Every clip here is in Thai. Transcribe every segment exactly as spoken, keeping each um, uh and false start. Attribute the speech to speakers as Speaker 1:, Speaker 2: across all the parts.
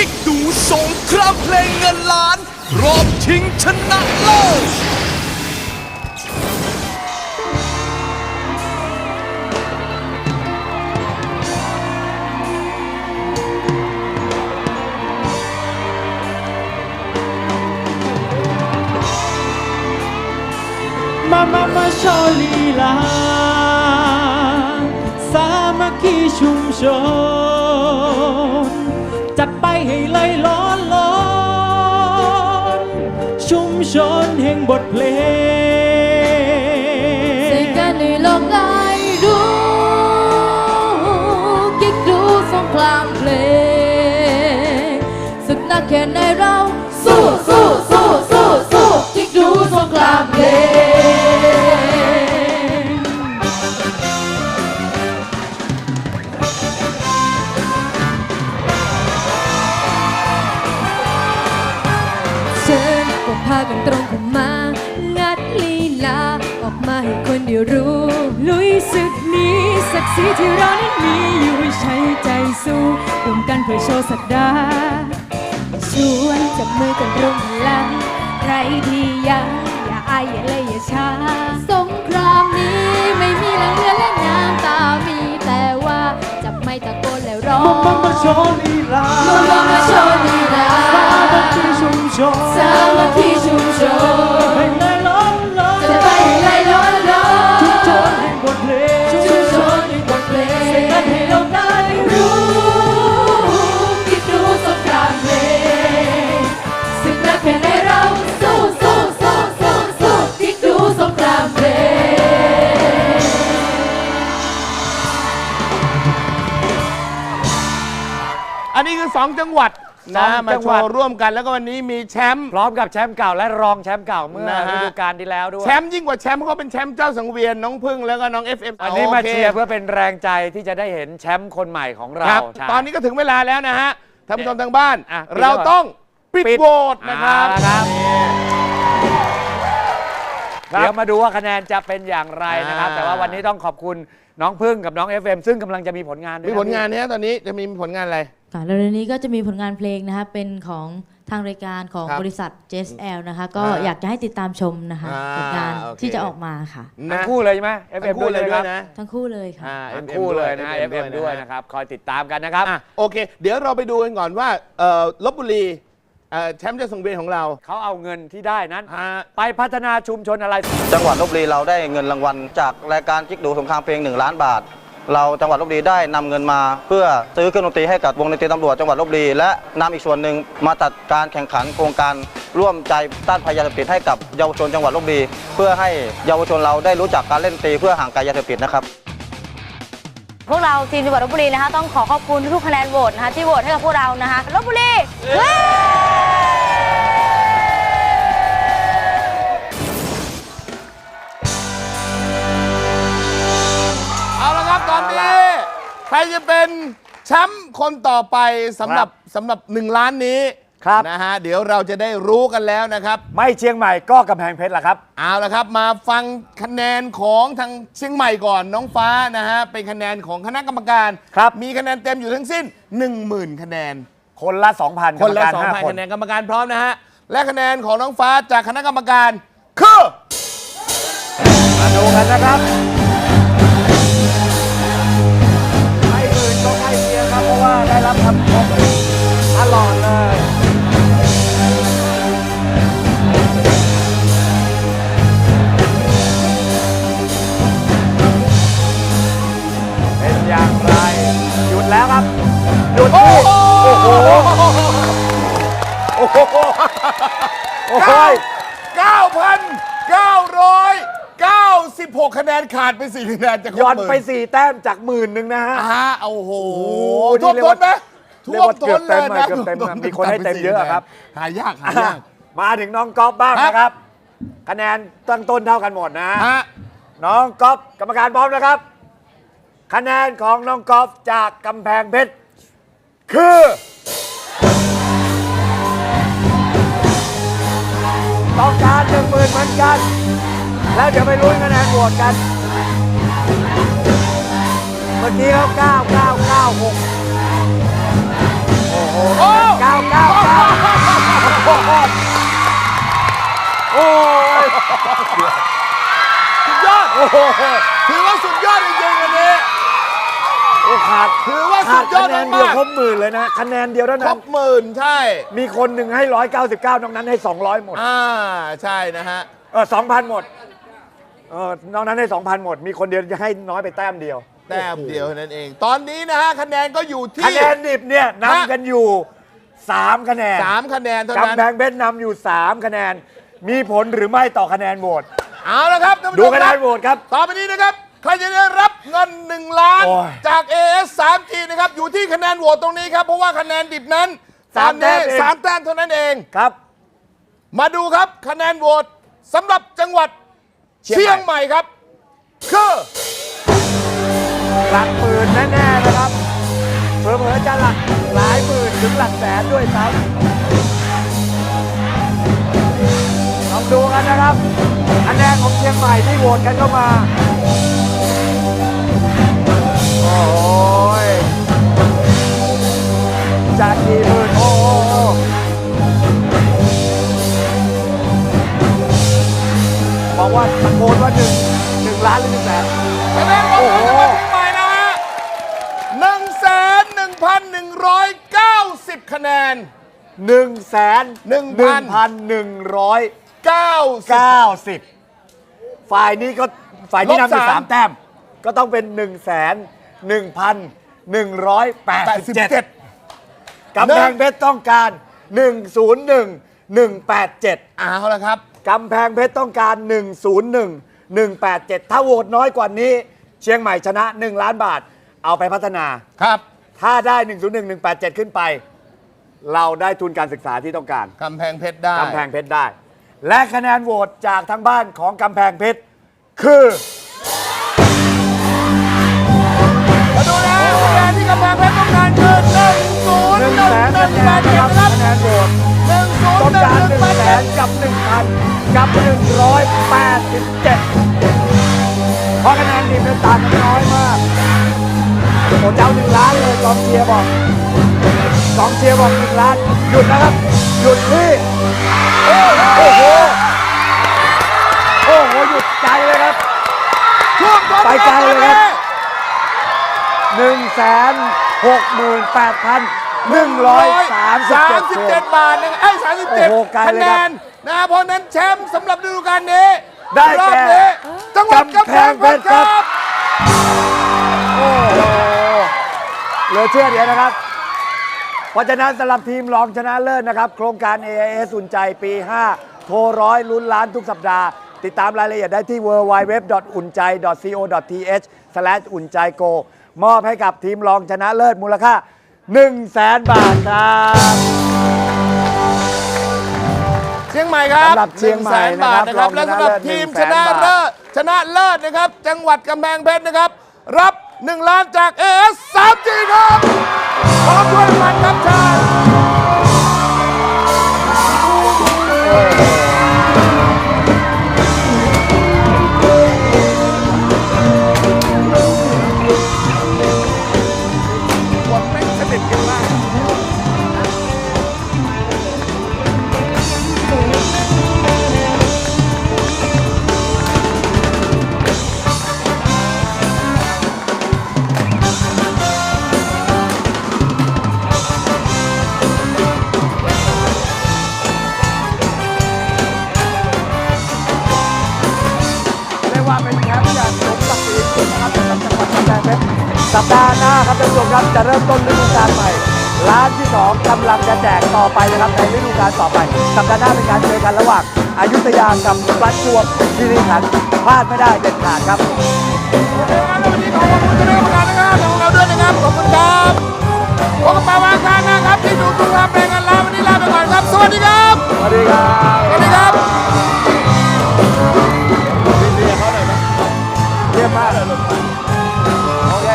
Speaker 1: กิ๊กดูสงครามเพลงเงินล้านรอบชิงชนะเลิศ
Speaker 2: มามามาโชว์ลีลาสามัคคีชุมชนจัดไปให้เลยล้อนล้อนชุมชนแห่งบทเพลง
Speaker 3: เสกกันในโลกได้รู้กิ๊กดูสงครามเพลงศึกหนักแค่ไหนเราสู้สู้สู้สู้สู้กิ๊กดูสงครามเพลงเชิญพวกพากันตรงเข้ามางัดลีลาออกมาให้คนเดียวรู้ลุยศึกนี้ศักดิ์ศรีที่เรานั้นมีอยู่ใช้ใจสู้ร่วมกันเพื่อโชว์สักดาชวนจับมือกันรวมพลังใครที่ยังอย่าอายอย่าเลยอย่าช้าสงครามนี้ไม่มีแรงเรือและน้ำตามีแต่ว่าจะไม่ตะโกนแล้วร้อง
Speaker 2: มามาโชว์ลีลา
Speaker 3: มามามาโชว์ลีลา
Speaker 2: สามัคคีชุมชน
Speaker 3: สามัคคีชุมชน
Speaker 2: ให้เลยล้อนล้อน
Speaker 3: จะไปไล่ล้อนล้อน
Speaker 2: ชุมชนแห่งบทเพลง
Speaker 3: ชุมชนในบทเพลง
Speaker 2: เสกกันให้โลกได้รู้
Speaker 3: รู้คิดดูสงครามเพลงศึกรักแค่ในเราสู้สู้สู้สู้สู้คิดดูสงครามเพลง
Speaker 4: อันนี้คือสองจังหวัดนะ
Speaker 5: สอง
Speaker 4: มา
Speaker 5: จัง
Speaker 4: โช
Speaker 5: หวัด
Speaker 4: ว์ร่วมกันแล้วก็วันนี้มีแชมป์
Speaker 5: พร้อมกับแชมป์เก่าและรองแชมป์เก่าเมื่อ
Speaker 4: นะฮะ
Speaker 5: ฤดูกาลที่แล้วด้วย
Speaker 4: แชมป์ยิ่งกว่าแชมป์เขาเป็นแชมป์เจ้าสังเวียนน้องพึ่งแล้วก็น้อง เอฟ เอ็ม
Speaker 5: วันนี้มา
Speaker 4: โค
Speaker 5: เชียร์เพื่อเป็นแรงใจที่จะได้เห็นแชมป์คนใหม่ของเรา
Speaker 4: ครับ
Speaker 5: ใช่
Speaker 4: ตอนนี้ก็ถึงเวลาแล้วนะฮะท่านผู้ชมทางบ้าน
Speaker 5: อ่ะ
Speaker 4: เราต้องปิด
Speaker 5: ปิด
Speaker 4: โหวตนะครับ
Speaker 5: อ่าครับ เดี๋ยวมาดูว่าคะแนนจะเป็นอย่างไรนะครับ
Speaker 4: อ่า
Speaker 5: แต่ว่าวันนี้ต้องขอบคุณน้องพึ่งกับน้อง เอฟ เอ็ม ซึ่งกำลังจะมีผลงานด้วย
Speaker 4: มี
Speaker 5: นะ
Speaker 4: ผลงานเนี้ยตอนนี้จะมีผลงานอะไร
Speaker 6: ค่ะแล้วเร็วๆนี้ก็จะมีผลงานเพลงนะคะเป็นของทางรายการของ
Speaker 4: ครับ
Speaker 6: บริษัท เจ เอส แอล นะคะ ก็
Speaker 4: อ่า
Speaker 6: อยากจะให้ติดตามชมนะคะ
Speaker 4: อ่า
Speaker 6: ผลงาน
Speaker 4: โอเค
Speaker 6: ที่จะออกมาค่ะ
Speaker 5: ทั้
Speaker 4: นะ
Speaker 5: งคู่เลยใช่ไหม เอฟ เอ็ม
Speaker 4: ทั้งคู่เลย
Speaker 5: ใช่
Speaker 4: ด้
Speaker 5: ไหม
Speaker 4: วย
Speaker 5: ครับ
Speaker 4: นะ
Speaker 6: ทั้งคู่เลยค่ะ
Speaker 4: อ่า
Speaker 5: ทั้ง
Speaker 4: เอ็ม
Speaker 5: คู่เลยนะ
Speaker 4: เอฟ
Speaker 5: เอฟ เอ็ม ด้วยนะครับ คอยติดตามกันนะครับ
Speaker 4: อ่ะโอเค เดี๋ยวเราไปดูกันก่อนว่าเอ่อลบบุรีเอ่อแชมป์เจ้าสังเวียนของเรา
Speaker 5: เขาเอาเงินที่ได้นั้น
Speaker 4: ฮะ
Speaker 5: ไปพัฒนาชุมชนอะไร
Speaker 7: จังหวัดลบบุรีเราได้เงินรางวัลจากรายการกิ๊กดูสงครามเพลงหนึ่งล้านบาท เราจังหวัดลบบุรีได้นำเงินมาเพื่อซื้อเครื่องดนตรีให้กับวงดนตรีตำรวจจังหวัดลบบุรีและนำอีกส่วนหนึ่งมาจัดการแข่งขันโครงการร่วมใจต้านภัยยาเสพติดให้กับเยาวชนจังหวัดลบบุรีเพื่อให้เยาวชนเราได้รู้จักการเล่นดนตรีเพื่อห่างไกลยาเสพติดนะครับ
Speaker 8: พวกเราทีมจังหวัดลบบุรีนะคะต้องขอขอบคุณทุกคะแนนโหวตนะคะที่โหวตให้กับพวกเรานะคะลบบุรีเว้ย
Speaker 4: เอาละครับตอนนี้ใครจะเป็นแชมป์คนต่อไปสำหรับสำหรับหนึ่งล้านนี้
Speaker 5: ครับ
Speaker 4: นะฮะเดี๋ยวเราจะได้รู้กันแล้วนะครับ
Speaker 5: ไม่เชียงใหม่ก็กำแพงเพชรล่ะครับ
Speaker 4: เอาละครับมาฟังคะแนนของทางเชียงใหม่ก่อนน้องฟ้านะฮะเป็นคะแนนของคณะกรรมการ
Speaker 5: ครับ
Speaker 4: มีคะแนนเต็มอยู่ทั้งสิ้น หนึ่งหมื่น คะแนน
Speaker 5: คนละ สองพัน
Speaker 4: คนละ
Speaker 5: กรรมการ
Speaker 4: สอง
Speaker 5: ห้า
Speaker 4: พัน
Speaker 5: คน
Speaker 4: คะแนนกรรมการพร้อมนะฮะและคะแนนของน้องฟ้าจากคณะกรรมการคือ
Speaker 5: มาดูกันนะครับไม่อื่นก็ใกล้เคียงครับเพราะว่าได้รับคำชมตลอดเลย เป็นอย่างไร หยุดแล้วครับ หยุดที่โอ้โห โอ้โห โอ้โห
Speaker 4: เก้าพันเก้าร้อยเก้าสิบหกคะแนนขาดไปสี่คะแนนจาก
Speaker 5: ย้อนไปสี่แต้มจากหมื่นหนึ่งนะฮะ
Speaker 4: ฮะโอ้โห
Speaker 5: นี่
Speaker 4: ท่วม
Speaker 5: เรียก
Speaker 4: ท้
Speaker 5: ว่าน
Speaker 4: ไหม
Speaker 5: เรีย
Speaker 4: ท่
Speaker 5: ก
Speaker 4: วม
Speaker 5: ว่า
Speaker 4: ท้
Speaker 5: เกือน บ
Speaker 4: เล
Speaker 5: เต็
Speaker 4: ย
Speaker 5: ม
Speaker 4: นะ
Speaker 5: เกือบเต็มมีคนให้เต็มเยอะครับ
Speaker 4: หายากหายาก
Speaker 5: มาถึงน้องก๊อฟบ้าง
Speaker 4: ครับ
Speaker 5: นะครับ คะแนนตั้งต้นเท่ากันหมดนะ
Speaker 4: ฮะ
Speaker 5: น้องก๊อฟกรรมการพร้อมนะครับ คะแนนของน้องก๊อฟจากกำแพงเพชรคือต้องการหนึ่งหมื่นเหมือนกัน แล้วเดี๋ยวไปลุ้นคะแนนโหวตกัน เมื่อกี้เขาเก้า เก้า เก้า หกโอ้โห
Speaker 4: โอ้
Speaker 5: เก้าโห
Speaker 4: ถือว่าสุดยอดจริงๆวันนี้
Speaker 5: โอ้ขาด
Speaker 4: ถือว่าสุ
Speaker 5: ขาด
Speaker 4: ดยอด
Speaker 5: คะแนนเดียว
Speaker 4: มาก
Speaker 5: ครบหมื่นเลยนะคะแนนเดียวเท่า
Speaker 4: ๆคร
Speaker 5: นั้น
Speaker 4: บหมื่นใช่
Speaker 5: มีคนหนึ่งให้ร้อยเก้าสิบเก้านอกนั้นให้สองร้อยหมด
Speaker 4: อ่าใช่นะฮะ
Speaker 5: เออสองพันหมดเออนอกนั้นให้สองพันหมด มีคนเดียวจะให้น้อยไปแต้มเดียว
Speaker 4: แต้มเดียวเท่านั้นเอง ตอนนี้นะฮะคะแนนก็อยู่ที่
Speaker 5: คะแนนดิบเนี่ยนำกันอยู่สามคะแนน
Speaker 4: สามคะแนนเท่านั้น
Speaker 5: กำแพงเพชรนำอยู่สามคะแนน มีผลหรือไม่ต่อคะแนนโหวต
Speaker 4: เอาละครับท่านผู้
Speaker 5: ดู
Speaker 4: ชม
Speaker 5: คะแน
Speaker 4: รับ
Speaker 5: นโหวตครับ
Speaker 4: ต่อไปนี้นะครับ ใครจะได้รับเงินหนึ่งล้าน
Speaker 5: โอ้ย
Speaker 4: จาก เอ เอส ทรี จี นะครับ อยู่ที่คะแนนโหวตตรงนี้ครับ เพราะว่าคะแนนดิบนั้น
Speaker 5: สาม
Speaker 4: ตอนนี้
Speaker 5: แต้มเอง
Speaker 4: สามแต้มเท่านั้นเอง
Speaker 5: ครับ
Speaker 4: มาดูครับคะแนนโหวตสำหรับจังหวัด
Speaker 5: เชี
Speaker 4: เชี
Speaker 5: ย
Speaker 4: ย
Speaker 5: ง
Speaker 4: ง
Speaker 5: ให
Speaker 4: ให
Speaker 5: ม่
Speaker 4: ม่ครับ คือ
Speaker 5: หลักหมื่นแน่ๆนะครับเผลอๆจะหลักหลายหมื่นถึงหลักแสนด้วยซ้ำลองดูกันนะครับคะแนนของเชียงใหม่ที่โหวตกันเข้ามา โอ้ยจะกี่หมื่นโอ้โหบอกว่าตะโกนว่าหนึ่งหนึ่งล้านหรือหนึ่งแสน
Speaker 4: คะแนนโหวตของจังหวัดเชียงใหม่นะฮะหนึ่งแสนหนึ่งพันหนึ่งร้อยเก้าสิบคะแนน
Speaker 5: หนึ่งแสน
Speaker 4: หนึ่ง
Speaker 5: หนึ่งพันหนึ่งร้อย
Speaker 4: เก้าสิบ
Speaker 5: เก้าสิบฝ่ายนี้ก็ฝ่ายที่นำอยู่
Speaker 4: ลบสาม
Speaker 5: สามแต้ม ก็ต้องเป็นหนึ่งแสนหนึ่งพันหนึ่งร้อยแปด
Speaker 4: แปด
Speaker 5: สิ
Speaker 4: สิ
Speaker 5: บบ เจ็
Speaker 4: เจ็
Speaker 5: ด
Speaker 4: ด
Speaker 5: กำแพงเพชรต้องการหนึ่งศูนย์หนึ่งหนึ่งแปดเจ็ด
Speaker 4: เอาละครับ
Speaker 5: กำแพงเพชรต้องการหนึ่งศูนย์หนึ่งหนึ่งแปดเจ็ดถ้าโหวตน้อยกว่านี้ เชียงใหม่ชนะหนึ่งล้านบาท เอาไปพัฒนา
Speaker 4: ครับ
Speaker 5: ถ้าได้หนึ่งศูนย์หนึ่งหนึ่งแปดเจ็ดขึ้นไป เราได้ทุนการศึกษาที่ต้องการ
Speaker 4: กำแพงเพชรได้
Speaker 5: กำแพงเพชรได้ และคะแนนโหวตจากทางบ้านของกำแพงเพชรคือ
Speaker 4: มาดูนะคะแนนที่กำแพงเพชรต้องการคือหนึ่งศูนย์
Speaker 5: หนึ่ง
Speaker 4: หนึ่ง
Speaker 5: แสน
Speaker 4: หนึ่ง
Speaker 5: คะ
Speaker 4: แป
Speaker 5: แน
Speaker 4: ด
Speaker 5: น
Speaker 4: เจ็
Speaker 5: นะ
Speaker 4: ด
Speaker 5: ครับ
Speaker 4: นะครับ
Speaker 5: คะแนนโหวต
Speaker 4: หนึ่งศูน
Speaker 5: ต้อ
Speaker 4: ย์
Speaker 5: ง
Speaker 4: หนึ่ง
Speaker 5: การ
Speaker 4: ห
Speaker 5: ห
Speaker 4: นึ่
Speaker 5: นึ่
Speaker 4: ง
Speaker 5: ง
Speaker 4: แปด
Speaker 5: แส
Speaker 4: เจ็
Speaker 5: น
Speaker 4: ด
Speaker 5: กับหนึ่งพันกับหนึ่งร้อยแปดสิบเจ็ดเพราะคะแนนทีมเป็นต่างกันน้อยมากโอ้เจ้าหนึ่งล้านเลยกองเชียร์บอกกองเชียร์บอกหนึ่งล้านหยุดนะครับ หยุดที่โอ้โหโอ้โหหยุดใจเลยครับ
Speaker 4: ช่วงต้น
Speaker 5: ไปไกลเลยครับ หนึ่งแสนหกหมื่นแปดพันหนึ่งร้อยสามสิบ
Speaker 4: สาม
Speaker 5: เจ็ด
Speaker 4: สิบเจ็ดบาทนะไอ้สามสิบเจ็ด
Speaker 5: โอ้โหไกล
Speaker 4: คะ
Speaker 5: เลย
Speaker 4: แน
Speaker 5: ครับ
Speaker 4: นนะเพราะฉะนั้นแชมป์สำหรับฤดูกาลนี้
Speaker 5: ได้
Speaker 4: รอบ
Speaker 5: แก่
Speaker 4: นี้จังหวัดกำแพงเพชรครับ
Speaker 5: โอ้โหเหลือเชื่อเดียวนะครับ เพราะฉะนั้นสำหรับทีมรองชนะเลิศนะครับ โครงการ เอ ไอ เอส อุ่นใจปี ห้า โทรร้อยลุ้นล้านทุกสัปดาห์ ติดตามรายละเอียดได้ที่ ดับเบิลยู ดับเบิลยู ดับเบิลยู ดอท อุ่นใจ ดอท ซี โอ ดอท ที เอช สแลช อุ่นใจโก มอบให้กับทีมรองชนะเลิศมูลค่า หนึ่งแสน บาทครับ
Speaker 4: เชียงใหม่ครับ
Speaker 5: สำหรับเชียงใหม่
Speaker 4: นึ่แสนบาทนะครับ
Speaker 5: นะครับ
Speaker 4: และสำหรับทีมชนะ
Speaker 5: รองชนะเลิ
Speaker 4: เลิ
Speaker 5: ศ
Speaker 4: ศชนะเลิศนะครับ จังหวัดกำแพงเพชรนะครับ รับหนึ่งล้านจาก เอ เอส ทรี จี ครับพร้อมด้วยรางวัลครับเชิญ คนไม่สนิทกันมาก
Speaker 5: เรียกว่าเป็นแชมป์อย่างสมศักดิ์ศรีสุดนะครับสำหรับจังหวัดกำแพงเพชรสัปดาห์หน้าครับท่านผู้ชมครับจะเริ่มต้นฤดูกาลใหม่ร้านที่สองกำลังจะแจกต่อไปนะครับในฤดูกาลต่อไปสัปดาห์หน้าเป็นการเจอกันระหว่างอยุธยากับประจวบคีรีขันธ์พลาดไม่ได้เด็ดขาดครับ
Speaker 4: วันนี้ขอขอบคุณคณะกรรมการนะครับของเราด้วยนะครับ ขอบคุณครับพบกันใหม่วันอังคารนะครับที่ดูทุกความเพลงกันแล้ววันนี้ลาไปก่อนครับ สวัสดีครับ
Speaker 5: สวัสดีครับ
Speaker 4: สวัสดีครับ
Speaker 5: เยี่ยมมากโอเค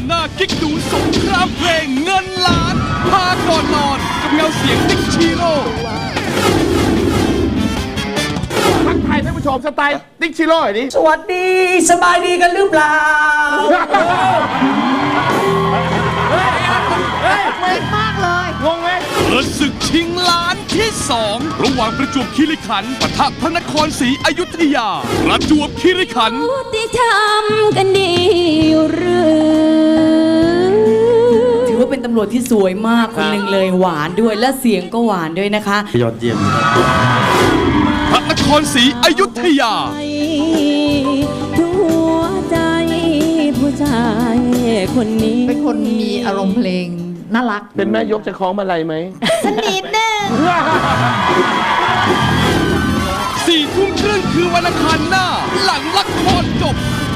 Speaker 1: ารหน้ากิ๊กดูสงครามเพลงเงินล้านพาก่อนนอนกับเงาเสียงติ๊กชิโร่
Speaker 4: ทักทายท่านผู้ชมสไตล์ติ๊กชิโร่หน่อยดิ
Speaker 2: สวัสดีสบายดีกันหรือเปล่า
Speaker 4: งงไหม
Speaker 1: เปิดศึกชิงล้านที่สองระหว่างประจวบคีรีขันธ์ปะทะพระนครศรีอยุธยาประจวบคีรีขันธ์
Speaker 3: ที่ทำกันดีอยู่หรือ
Speaker 6: ถือว่าเป็นตำรวจที่สวยมากคนหนึ่งเลยหวานด้วยและเสียงก็หวานด้วยนะคะ
Speaker 9: ยอดเยี่ยม
Speaker 1: พระนครศรีอยุธยา
Speaker 3: หัวใจผู้ชายคนนี้
Speaker 10: เป็นคนมีอารมณ์เพลงน่ารัก
Speaker 4: เป็นแม่ยกจะคล้องมาลัยไหม
Speaker 3: สนิทนึง
Speaker 1: สี่ทุ่มครึ่งคือวันอังคารหน้า หลังละครจบ